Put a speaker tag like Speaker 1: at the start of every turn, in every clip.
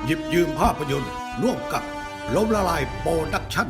Speaker 1: หยิบยืมภาพยนตร์ร่วมกับล้มละลายโปรดักชั่น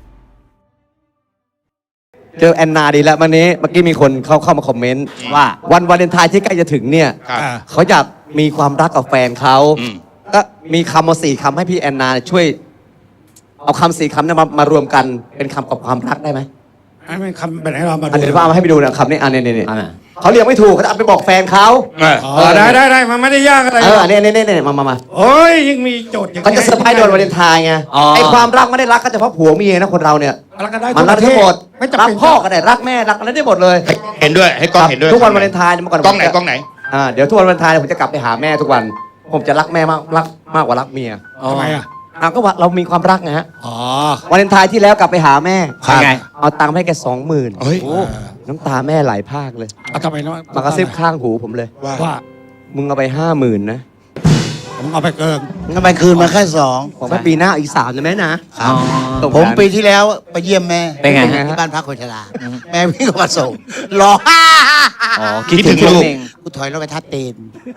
Speaker 2: เจอแอนนาดีแล้ววันนี้เมื่อกี้มีคนเข้ามาคอมเมนต์ว่าวันวาเลนไทน์ที่ใกล้จะถึงเนี่ย
Speaker 3: ครับ
Speaker 2: เขาอยากมีความรักกับแฟนเขาก็มีคำมา4 คำให้พี่แอนนาช่วย เอาคำ4 คำนั้นมารวมกันเป็นคำกับความรักได้ไหม
Speaker 4: ให้มันคำแบบไหนเรามา
Speaker 2: เดี๋ยว
Speaker 4: ดู
Speaker 2: พ่อเอามาให้ไปดูนะคำนี้อันนี้เขาเรียกไม่ถูกเขาจะเอาไปบอกแฟนเขา
Speaker 4: ได้มันไม่ได้ยากอะไร
Speaker 2: อันนี้มา
Speaker 4: โอ้ยยังมีโจทย์อย่าง
Speaker 2: เขาจะเซอร์ไพรส์โดนวาเลนไทน์ไงไอความรักไม่ได้รักก็เฉพาะผัวเมียนะคนเราเนี่ย
Speaker 4: รักกันได้
Speaker 2: มันรักทั้งหมด
Speaker 4: ไม่จำ
Speaker 2: รัก
Speaker 4: เป็น
Speaker 2: พ่อก็ได้รักแม่รักอะไรได้หมดเลย
Speaker 3: เห็นด้วยให้กล้องเห็นด้วย
Speaker 2: ทุกวันวาเลนไทน์เมื่อก่อน
Speaker 3: กล้องไหนกล้องไหน
Speaker 2: เดี๋ยวทุกวันวาเลนไทน์ผมจะกลับไปหาแม่ทุกวัน ผมจะรักแม่มากกว่ารักเมีย
Speaker 4: ทำไมอ่ะ
Speaker 2: ก็ว่าเรามีความรักไงฮะ
Speaker 4: อ๋อ
Speaker 2: วาเลนไทน์ที่แล้วกลับไปหาแม่
Speaker 3: ครับ
Speaker 2: ไงเอาตังค์ให้แก20,000
Speaker 3: เฮ้ย
Speaker 2: น้ำตาแม่ไหลพรากเลย
Speaker 4: เอาทำไมนะ
Speaker 2: มากระซิบข้างหูผมเลย
Speaker 4: ว่า
Speaker 2: มึงเอาไป50,000นะ
Speaker 4: ผมเอาไปเกิน
Speaker 5: ทำไมคืนมาแค่สอง
Speaker 2: บอกว่าปีหน้าอีก3นะแม่นะตรง
Speaker 5: ผม
Speaker 2: นั้น
Speaker 5: ปีที่แล้วไปเยี่ยมแม่
Speaker 2: เป็นไงฮะ
Speaker 5: ที่บ้านพักคนชราแม่วิ่งมาส่งร้อง
Speaker 3: คิดถึงลูก
Speaker 5: กูถอยรถไปทัดตีน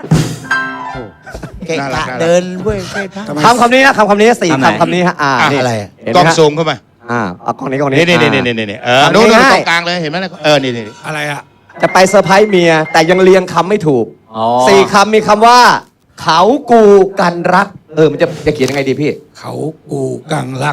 Speaker 5: เกะ
Speaker 3: น่ารัก
Speaker 5: กะ
Speaker 3: น่ารัก
Speaker 5: เดินเว้ยเว้ยพัก
Speaker 2: คำนี้นะคำนี้สี่คำนี้ฮะนี่
Speaker 5: อะไร
Speaker 2: เห็น
Speaker 3: ก
Speaker 2: ไหม
Speaker 3: ล้อง
Speaker 2: ฮะ
Speaker 3: ซูมเข้ามา
Speaker 2: เอากล้องนี้กล้องนี้
Speaker 3: นี่โน้ต
Speaker 2: ง่ายๆ
Speaker 3: ตรงกลางเลยเห็นไหมนี่
Speaker 4: อะไรอ่ะ
Speaker 2: จะไปเซอร์ไพรส์เมีย แต่ยังเรียงคำไม่ถูก4 คำมีคำว่า เขากูกันรัก มันจะเขียนยังไงดีพี่
Speaker 4: เขากูกังรัก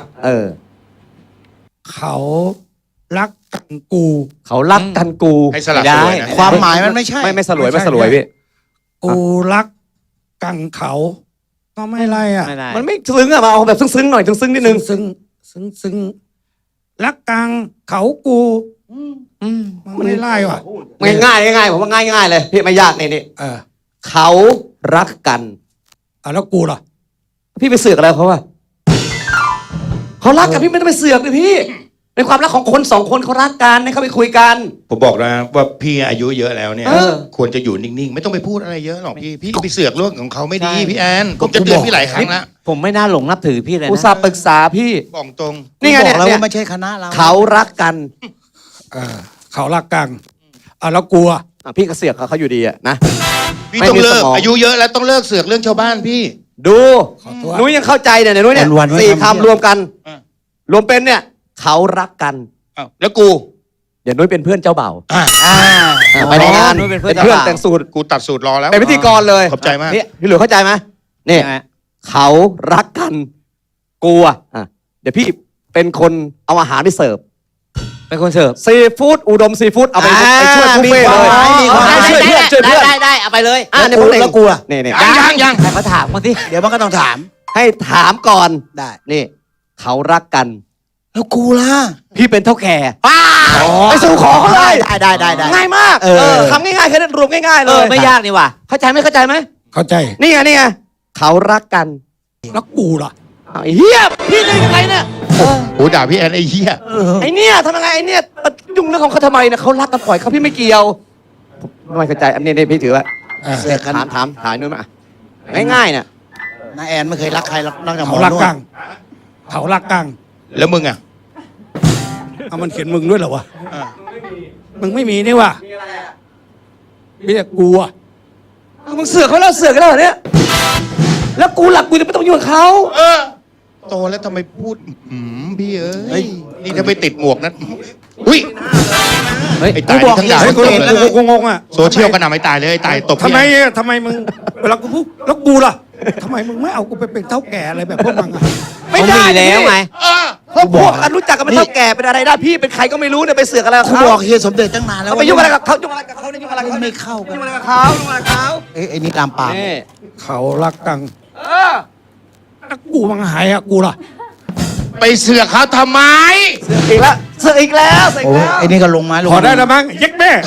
Speaker 4: เขารักกังกู
Speaker 2: เขารักกันกู
Speaker 3: ให้สลับ
Speaker 2: ไม่
Speaker 3: ส
Speaker 2: ได้
Speaker 3: วยนะ
Speaker 5: ความหมายมันไม่ใช่
Speaker 2: ไม่สลวยพี่
Speaker 4: กูรักกังเขา ก็ไม่ไรอ่ะ
Speaker 2: มันไม่ซึ้งอะมาเอาแบบซึ้งๆหน่อยซึ้งๆนิดนึง
Speaker 4: ซึ้งรักกังเขากูมันไม่ไล่ว่ะ
Speaker 2: ง่ายผมว่าง่ายเลยพี่ไม่ยากนี่
Speaker 4: เออ
Speaker 2: เขารักกัน
Speaker 4: แล้วกูล่ะ
Speaker 2: พี่ไปเสือกอะไรเขาอะเขารักกันพี่ไม่ต้องไปเสือกเลยพี่เป็นความรักของคน2 คนเขารักกันให้เขาไปคุยกัน
Speaker 3: ผมบอกนะว่าพี่อายุเยอะแล้วเนี่ย
Speaker 2: เออ
Speaker 3: ควรจะอยู่นิ่งๆ ไม่ต้องไปพูดอะไรเยอะหรอกพี่ไปเสือกเรื่องของเขาไม่ดีพี่แอนผมจะเตือนพี่หลายครั้งแล้ว
Speaker 6: ผมไม่น่าหลงนับถือพี่เลย
Speaker 2: อุต
Speaker 6: นะ
Speaker 2: ส่าห์ปรึกษาพี่
Speaker 3: บอกตรง
Speaker 2: นี่ไง
Speaker 5: บ
Speaker 2: เนี่
Speaker 5: อย กแล้ว
Speaker 2: เนี่ย
Speaker 5: ว่าไม่ใช่คณะเรา
Speaker 2: เขารักกัน
Speaker 4: เขารักกังแล้วกูอ่ะ
Speaker 2: พี่ก็เสือกเขาอยู่ดีอะนะ
Speaker 3: พี่
Speaker 2: ไม่
Speaker 3: ต้อง
Speaker 2: มี
Speaker 3: เลิ
Speaker 2: ส
Speaker 3: ก
Speaker 2: มอง
Speaker 3: อายุเยอะแล้วต้องเลิกเสือกเรื่องชาวบ้านพี่
Speaker 2: ดู
Speaker 4: ขอโทษ
Speaker 2: นุ้ยยังเข้าใจเนี่ยนุ้ยเนี่ย4 คำรวมกัน
Speaker 3: อ่ะ
Speaker 2: รวมเป็นเนี่ย เขารักกัน
Speaker 3: อ้าวแล้วกู
Speaker 2: เดี๋ยวนุ้ยเป็นเพื่อนเจ้าเบ่าว
Speaker 3: อ่ะ
Speaker 2: ไปในงาน
Speaker 6: นุ้ยเป็นเพื่
Speaker 2: เป็
Speaker 6: อน
Speaker 2: นเพื่อน
Speaker 6: เจ้าบ่าว
Speaker 2: แต่งสูตร
Speaker 3: กูตัดสูตรรอแล้ว
Speaker 2: เป็นพิธีกรเลย
Speaker 3: ขอบใจมาก
Speaker 2: นี่พี่หลุยเข้าใจไหมนี่
Speaker 6: ยังไง
Speaker 2: เขารักกันกูอ่ะเดี๋ยวพี่เป็นคนเอาอาหารไปเสิร์ฟ
Speaker 6: เป็นคนเสิร์ฟ
Speaker 2: ซีฟู้ดอุดมซีฟู้ดเอาไปช่วยบุฟเฟ่ต์เลย ช่วยเพื่อนช่วยเพื่อน
Speaker 6: ได้เอาไปเลย
Speaker 2: เนี่ยคนหนึ่ง
Speaker 5: แล้วกูล่ะ
Speaker 2: นี่
Speaker 3: ยัง
Speaker 6: ใครมาถามมาสิ
Speaker 5: เดี๋ยวมันก็ต้องถาม
Speaker 2: ให้ถามก่อน
Speaker 5: ได้
Speaker 2: นี่ เขารักกัน
Speaker 5: แล้วกูล่ะ
Speaker 2: พี่เป็นเท่าแก่ไปสู่ขอเขาเลย
Speaker 5: ได้
Speaker 2: ง่ายมากทำง่ายๆแค่นั้นรวมง่ายๆเลย
Speaker 6: ไม่ยากนี่ว่ะ
Speaker 2: เข้าใจไหมเข้าใจไหม
Speaker 4: เข้าใจ
Speaker 2: นี่ไงเขารักกัน
Speaker 4: แล้วกูล่ะ
Speaker 2: ไอ้เหี้ยพี่จะยังไงเนี่ย
Speaker 3: โอ้ด่าพี่แอนไอ้เหี้ย
Speaker 2: ไอ้เนี่ยทำยังไงไอ้เนี่ยยุ่งเรื่องของเขาทำไมเนี่ยเขารักกันปล่อยเขาพี่ไม่เกี่ยวผมไม่เข้าใจอันนี้พี่ถือว่า
Speaker 5: เสือกกัน
Speaker 2: ถามนู่นมาง่ายๆเนี่ย
Speaker 5: น้าแอนไม่เคยรักใครรักแต่หม
Speaker 4: เขา
Speaker 5: อ
Speaker 4: รัก
Speaker 5: นว
Speaker 4: กั
Speaker 5: ด
Speaker 4: งเขารักกัง
Speaker 3: แล้วมึงอ่ะ
Speaker 4: เอามันเขียนมึงด้วยเหรอวะ
Speaker 3: อ่ะ
Speaker 4: มึงไม่มีนี่ว่ะมีแต่กูอ่ะ
Speaker 2: มึงเสือกเขาแล้วเสือกกันแล้วเหรอเนี่ยแล้วกูหลักกูจะไม่ต้องยุ่งกับเขา
Speaker 3: โตแล้วทำไมพูดพี่เอ้ยนี่ถ้าไปติดหมวกนั้นอุ้ย
Speaker 6: เฮ้ย
Speaker 3: ไอ้ตายนี่ทั้งด่า
Speaker 4: เฮ้ย
Speaker 3: ทั้งตบเลย
Speaker 4: กูงงอ่ะ
Speaker 3: โซเชียลก็นำไอ้ตายเลยไอ้ตายตบ
Speaker 4: ทำไมมึงเวลากูพูดแล้วกูล่ะทำไมมึงไม่เอากูไปเป็นเท่าแก่อะไรแบบพวกมึงอ่ะ
Speaker 2: ไม่ได้
Speaker 6: ผมมีแล้วไง
Speaker 2: เขาพวกกันรู้จักกันเป็นเท่าแก่เป็นอะไรได้พี่เป็นใครก็ไม่รู้เนี่ยไปเสือกอะไรกับ
Speaker 5: กู
Speaker 2: เขา
Speaker 5: บอกเฮียสมเด็จตั้งนานแล้ว
Speaker 2: เขาไปยุ่งอะไรกับเขายุ่งอะไรกับเขาเนี่ยยุ่งอะไรกับเขา
Speaker 5: ไม่เข้ากัน
Speaker 2: ยุ่งอะไรกับเขายุ่งอะไรกับเขา
Speaker 5: ไอ้นี่ตามปาก
Speaker 2: นี่
Speaker 4: เขารักกัง
Speaker 2: เออ
Speaker 4: แล้วกูมังหายอ่ะกูล่ะ
Speaker 3: ไปเสือกเขาทำไม
Speaker 2: เสือกอีกแล้วเสือกอีกแล้วเสือก
Speaker 5: โอ้
Speaker 2: อีกแล้ว
Speaker 5: ไอ้นี่ก็ลงไม้ลง
Speaker 4: ขอได้แล้วมั้งเย็กแม่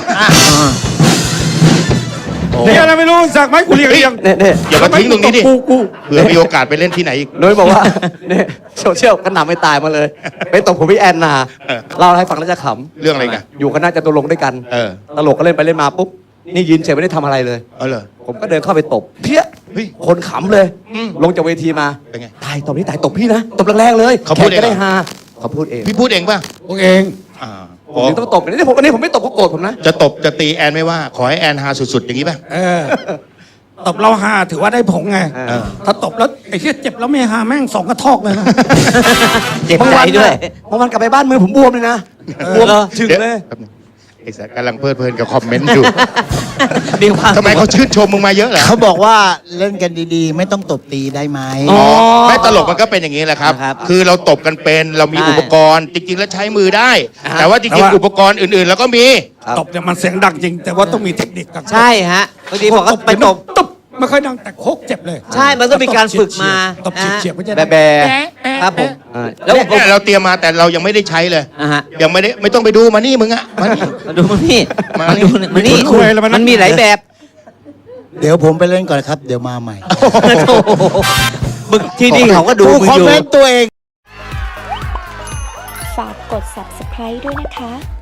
Speaker 4: เนี่ยอะไรไม่รู้สักไหมกูเรียก
Speaker 2: เนี่ย
Speaker 3: อย่ามาทิ้งตรงนี้ดิ
Speaker 4: กู
Speaker 3: เผื่อมีโอกาสไปเล่นที่ไหนอีก
Speaker 2: นุ้ยบอกว่า เนี่ยโซเชียลกันหนำไม่ตายมาเลยไปตบผมพี่แอนนา
Speaker 3: เออ
Speaker 2: เล่าให้ฟังแล้วจะข
Speaker 3: เรื่องอะไรกัน
Speaker 2: ำอยู่คณะจตุรงค์ด้วยกัน
Speaker 3: เออ
Speaker 2: ตลกก็เล่นไปเล่นมาปุ๊บนี่ยืนเฉยไม่ได้ทำอะไรเลย
Speaker 3: เอาเหรอ
Speaker 2: ผมก็เดินเข้าไปตบเพี้ย
Speaker 3: เฮ้ย
Speaker 2: คนขำเลย
Speaker 3: อืม
Speaker 2: ลงจากเวทีมา
Speaker 3: เป็นไง
Speaker 2: ตายตบนี่ตายตบพี่นะตบแรงๆเลย
Speaker 3: เขาพูด
Speaker 2: แขกก็ได้
Speaker 3: เองเหรอ
Speaker 2: ฮาเขาพูดเอง
Speaker 3: พี่พูดเองป่ะ
Speaker 4: พวกเอง
Speaker 3: อ่า
Speaker 2: ผมถึงต้องตบนี่ผมวันนี้ผมไม่ตบเขาโกรธผมนะ
Speaker 3: จะตบจะตีแอนไม่ว่า ขอให้แอนฮาสุดๆ อย่างนี้ป่ะ
Speaker 4: ตบเราหาถือว่าได้ผงไง
Speaker 2: เออ
Speaker 4: ถ้าตบแล้วไอ้เหี้ยเจ็บแล้วไม่หาแม่งสองกระทอกเลยนะ
Speaker 6: เจ็บใจด้วย
Speaker 2: บางวันกลับไปบ้านมือผมบวมเลยนะบวม
Speaker 6: เหรอ
Speaker 2: ถึงเลย
Speaker 3: แป๊บนึงไอ้สัสกำลังเพลิดเพลินกับคอมเมนต์อยู่
Speaker 6: มีความ
Speaker 3: ทำไมเขาชื่นชมมึงมาเยอะเหรอ
Speaker 5: เขาบอกว่าเล่นกันดีๆ ไม่ต้องตบตีได้ไหม
Speaker 6: อ๋อ
Speaker 3: ไม่ตลกมันก็เป็นอย่างนี้แหละครับ
Speaker 6: ครับ
Speaker 3: คือเราตบกันเป็นเรามี
Speaker 6: ใช่
Speaker 3: อุปกรณ์จริง ๆ แล้วใช้มือได้
Speaker 6: อ่า
Speaker 3: แต่ว่าจ
Speaker 4: แต่
Speaker 3: ริง
Speaker 4: ว่า
Speaker 3: ๆอุปกรณ์อื่นๆเราก็มี
Speaker 4: ตบเนี่ยมันเสียงดังจริง แต่ว่าต้องมีเทคนิคกัน
Speaker 6: ใช่ฮะบางทีบอกว่าไปตบ
Speaker 4: ตบไม่ค่อยดังแต่โคกเจ็บเลย
Speaker 6: ใช่มันต้องมีการฝึกมา
Speaker 4: ตบเฉียบๆไม่ใช่
Speaker 2: แบะ
Speaker 6: ครับผม
Speaker 3: แล้วเนี่ยเราเตรียมมาแต่เรายังไม่ได้ใช้เลย
Speaker 6: อ่ะฮะ
Speaker 3: ยังไม่ต้องไปดูมานี่มึงอะมานี่
Speaker 6: มาดูมันนี่
Speaker 3: มา
Speaker 6: มา
Speaker 3: นี่
Speaker 6: ดูมันนี่
Speaker 4: คุยแล้วมัน
Speaker 6: มันมีหลายแบบ
Speaker 5: เดี๋ยวผมไปเล่นก่อนครับ เดี๋ยวมาใหม่
Speaker 6: โอ้โหมึงที่นี่เขาก็ดูมึง
Speaker 5: คอ
Speaker 6: อ
Speaker 5: ม
Speaker 6: ยู่
Speaker 5: เมนต์ตัวเอง
Speaker 7: ฝากกด subscribe ด้วยนะคะ